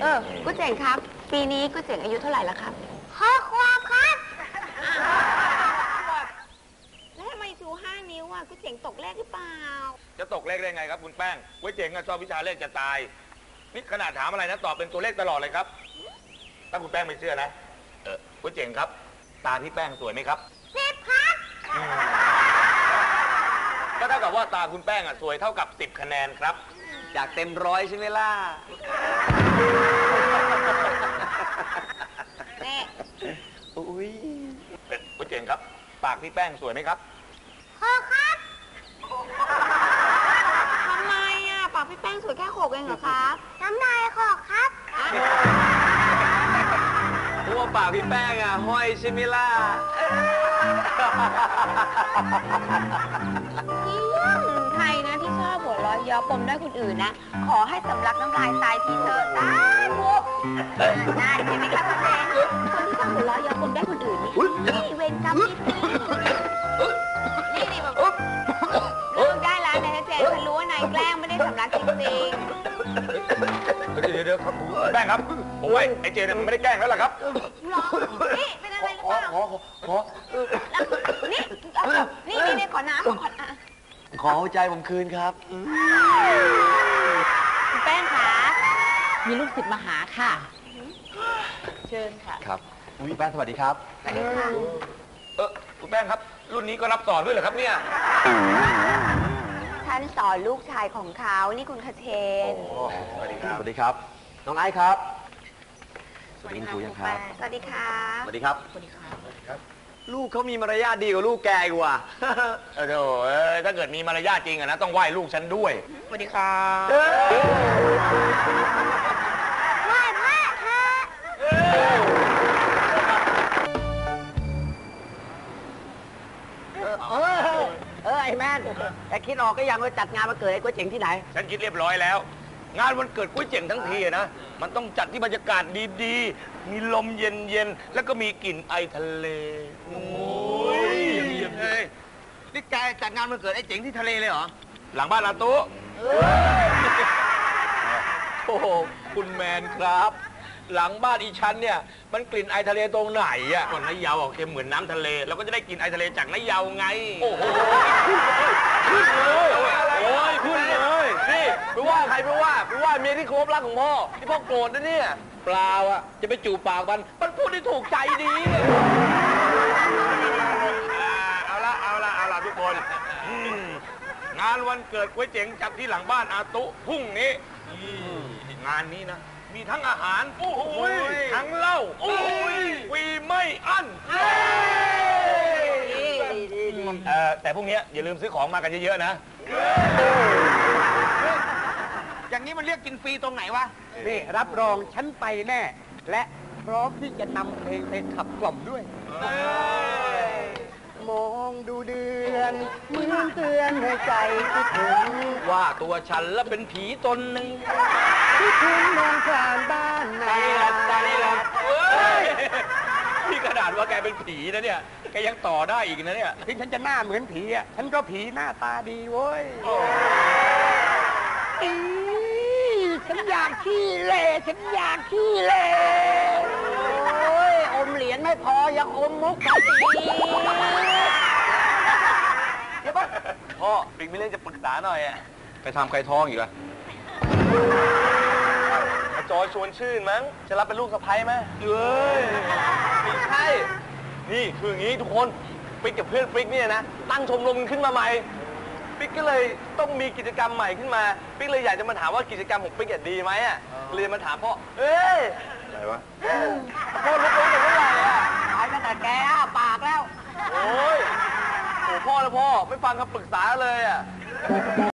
ก๋วยเจ๋งครับปีนี้ก๋วยเจ๋งอายุเท่าไหร่แล้วครับ6 ขวบครับแล้วทำไมชู5 นิ้วอ่ะก๋วยเจ๋งตกเลขหรือเปล่าจะตกเลขได้ไงครับคุณแป้งก๋วยเจ๋งชอบวิชาเลขจะตายนี่ขนาดถามอะไรนะตอบเป็นตัวเลขตลอดเลยครับถ้าคุณแป้งไม่เชื่อนะก๋วยเจ๋งครับตาพี่แป้งสวยไหมครับ10 ครับก็เท่ากับว่าตาคุณแป้งสวยเท่ากับ10 คะแนนครับจากเต็ม100ใช่ไหมล่ะนี่อุ้ยก๋วยเจ๋งครับปากพี่แป้งสวยไหมครับครับทำไมอ่ะปากพี่แป้งสวยแค่6เองเหรอครับน้ำลาย6ครับเพราะว่าปากพี่แป้งห้อยใช่ไหมล่ะใครนะที่ชอบหัวเราะเยาะปมได้คนอื่นนะขอให้สำลักน้ำลายตายทีเถอะสาธุน่าใช่ไหมคะคุณเจนคนที่ชอบหัวเราะเยาะปมได้คนอื่นนี่เวรกรรมนี่แบบเลิกได้แล้วนายเจนฉันรู้ว่านายแกล้งไม่ได้สำลักจริงๆเดี๋ยวครับแป้งครับผมว่าไอ้เจนมันไม่ได้แกล้งแล้วล่ะครับหรอนี่เป็นอะไรหรือเปล่านี่ขอน้ำขอใจผมคืนครับคุณแป้งคะมีลูกศิษย์มาหาค่ะเชิญค่ะครับคุณแป้งสวัสดีครับสวัสดีค่ะคุณแป้งครับรุ่นนี้ก็รับสอนด้วยเหรอครับเนี่ยท่านสอนลูกชายของเขานี่คุณคเชนสวัสดีครับสวัสดีครับน้องไอซ์ครับสวัสดีครูยังครับสวัสดีครับสวัสดีครับสวัสดีครับลูกเขามีมารยาทดีกว่าลูกแกกว่าถ้าเกิดมีมารยาทจริงนะต้องไหว้ลูกฉันด้วยสวัสดีครับไหว้พระเถอะไอ้แมนแต่คิดออกก็ยังว่าจัดงานวันเกิดไอ้ก๋วยเจ๋งที่ไหนฉันคิดเรียบร้อยแล้วงานวันเกิดก๋วยเจ๋งทั้งทีนะมันต้องจัดที่บรรยากาศดีๆมีลมเย็นๆแล้วก็มีกลิ่นไอทะเลโอ้ยนี่แกจัดงานวันเกิดไอ้เจ๋งที่ทะเลเลยเหรอหลังบ้านอาตุโอ้โหคุณแมนครับหลังบ้านอีชั้นเนี่ยมันกลิ่นไอทะเลตรงไหนอ่ะก่อนน้ำยาวออกเค็มเหมือนน้ำทะเลเราก็จะได้กลิ่นไอทะเลจากน้ำยาวไงโอ้โหขึ้นเลยโอ้ยขึ้นเลยนี่ไปว่าใครไปว่าเมียที่เคารพรักของพ่อที่พ่อโกรธนะเนี่ยเปล่าอ่ะจะไปจูบปากมันพูดได้ถูกใจดีเอาละทุกคนงานวันเกิดก๋วยเจ๋งจัดที่หลังบ้านอาตุพรุ่งนี้งานนี้นะมีทั้งอาหารทั้งเหล้าฟรีไม่อั้นแต่พวกนี้อย่าลืมซื้อของมากันเยอะๆนะอย่างนี้มันเรียกกินฟรีตรงไหนวะนี่รับรองฉันไปแน่และพร้อมที่จะนำเพลงไปขับกล่อมด้วยมองดูเดือนเหมือนเตือนให้ใจคิดถึงว่าตัวฉันละเป็นผีตนหนึ่งคิดถึงมองผ่านบ้านนาพี่กระดาษว่าแกเป็นผีนะเนี่ยแกยังต่อได้อีกนะเนี่ยถึงฉันจะหน้าเหมือนผีอ่ะฉันก็ผีหน้าตาดีเว้ยฉันอยากขี้เล่โอ้ยอมเหรียญไม่พอยังอมมุกอีกเดี๋ยวพ่อปิ๊กมีเรื่องจะปรึกษาหน่อยอ่ะไปทำใครท้องอีกล่ะจอยชวนชื่นมั้งจะรับเป็นลูกสะใภ้ไหมไม่ใช่นี่คืออย่างนี้ทุกคนปิ๊กกับเพื่อนปิ๊กเนี่ยนะตั้งชมรมขึ้นมาใหม่ปิ๊กก็เลยต้องมีกิจกรรมใหม่ขึ้นมาปิ๊กเลยอยากจะมาถามว่ากิจกรรมของปิ๊กดีไหมอ่ะเลยมาถามพ่ออะไรวะพ่อรู้แต่เมื่อไหร่อ่ะหายตั้งแต่แกปากแล้วโอ้ยพ่อไม่ฟังคำปรึกษาเลยอ่ะ